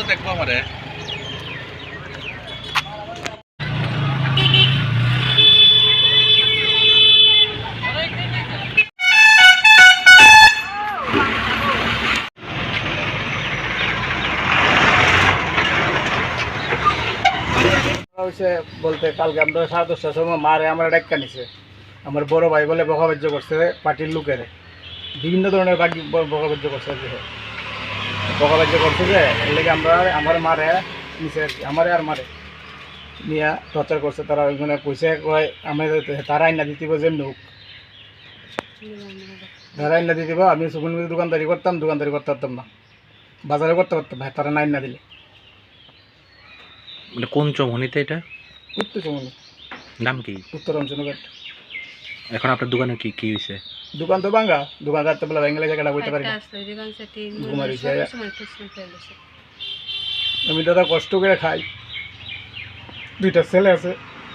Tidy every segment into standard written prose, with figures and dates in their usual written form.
তো দেখবো আমারে। হয়েছে বলতে কালকে আমরা 10:30টার সময় মারে আমার ডাক্কা নিছে। আমার বড় ভাই বলে বকাবাজ্য করছে পার্টির লোকের, বিভিন্ন ধরনের বকাবাজ্য করছে আর কি। বকাবাজ্য করছে যে এর লেগে আমরা আমার মারে নিচে আর কি, আমারে আর মারে নিয়ে টর্চার করছে। তারা ওইখানে পয়সা কয় আমি তারা আইনা দিতে যেমনি হোক, তারা আইনা দিয়ে দিব। আমি সুগুন দোকানদারি করতাম, দোকানদারি করতে পারতাম না, বাজারে করতে পারতাম ভাই, তারা না দিলে। মানে কোন চৌমনিতে এটা? উত্তর চমনি, নাম কি? উত্তরাঞ্চলঘাট। এখন আপনার দোকানে কি কি হয়েছে? দোকান তো ভাঙ্গা, দোকান রাখতে বেলা ভেঙে জায়গাটা বইতে পারি না, ঘুমারি। আমি দাদা কষ্ট করে খাই, দুইটা ছেলে আছে।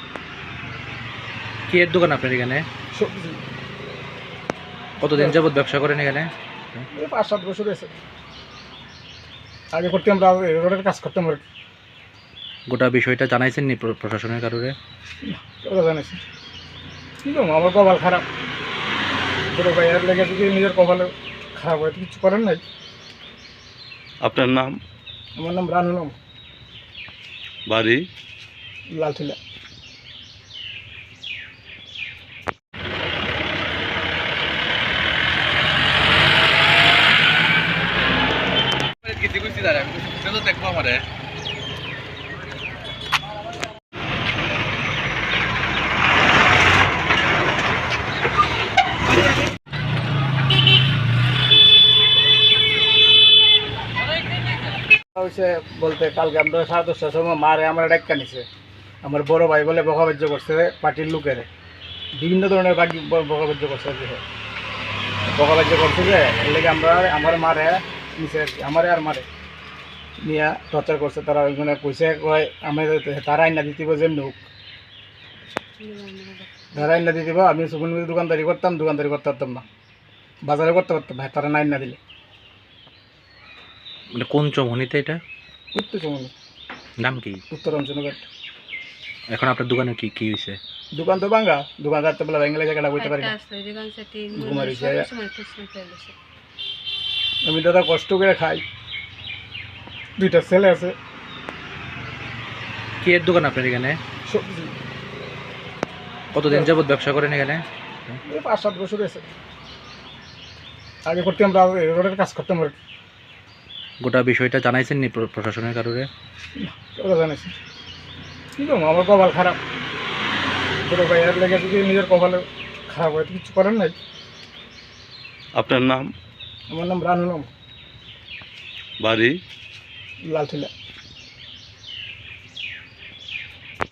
কি এর দোকান আপনার এখানে? সবজি। কতদিন যাবত ব্যবসা করেন এখানে? এই 5-7 বছর হয়েছে। আগে করতে আমরা রোডের কাজ করতাম আর কি। গোটা বিষয়টা জানাইছেন নি প্রশাসনের কারণে? ওরা জানিস কি করবো, আমার কপাল খারাপ। ছোটো ভাইয়ের লেগে যদি নিজের কপালে খারাপ হয় তো কিছু করেন নাই। আপনার নাম? আমার নাম রানুনাম, বাড়ি? লালঠিলা। দেখবো আমারে। হয়েছে বলতে কালকে আমরা 10:30টার সময় মারে আমার ডাক্কা নিছে। আমার বড় ভাই বলে বকাবাজ্য করছে পার্টির লোকের, বিভিন্ন ধরনের বকাবাজ্য করছে আর কি। বকাবাজ্য করছে যে এর লেগে আমরা আমার মারে নিচে আর কি, আমারে আর মারে নিয়ে টর্চার করছে। তারা ওইখানে পয়সা কয় আমি তারা আইনা দিতে যেমনি হোক, তারা আইনা দিয়ে দিব। আমি সুগুন দোকানদারি করতাম, দোকানদারি করতে পারতাম না, বাজারে করতে পারতাম ভাই, তারা না আইনা দিলে। মানে কোন চৌমনিতে এটা? উত্তর চমনি, নাম কি? উত্তরাঞ্চলঘাট। এখন আপনার দোকানে কি কি হয়েছে? দোকান তো ভাঙ্গা, দোকান রাখতে বেলা ভেঙে জায়গাটা বইতে পারি না, ঘুমারি। আমি দাদা কষ্ট করে খাই, দুইটা ছেলে আছে। কি এর দোকান আপনার এখানে? সবজি। কতদিন যাবত ব্যবসা করেন এখানে? এই 5-7 বছর হয়েছে। আগে করতে আমরা রোডের কাজ করতাম আর কি। গোটা বিষয়টা জানাইছেন নি প্রশাসনের কারণে? ওরা জানিস কি করবো, আমার কপাল খারাপ। ছোটো ভাইয়ের লেগে যদি নিজের কপালে খারাপ হয় তো কিছু করেন নাই। আপনার নাম? আমার নাম রানুনাম, বাড়ি? লালঠিলা।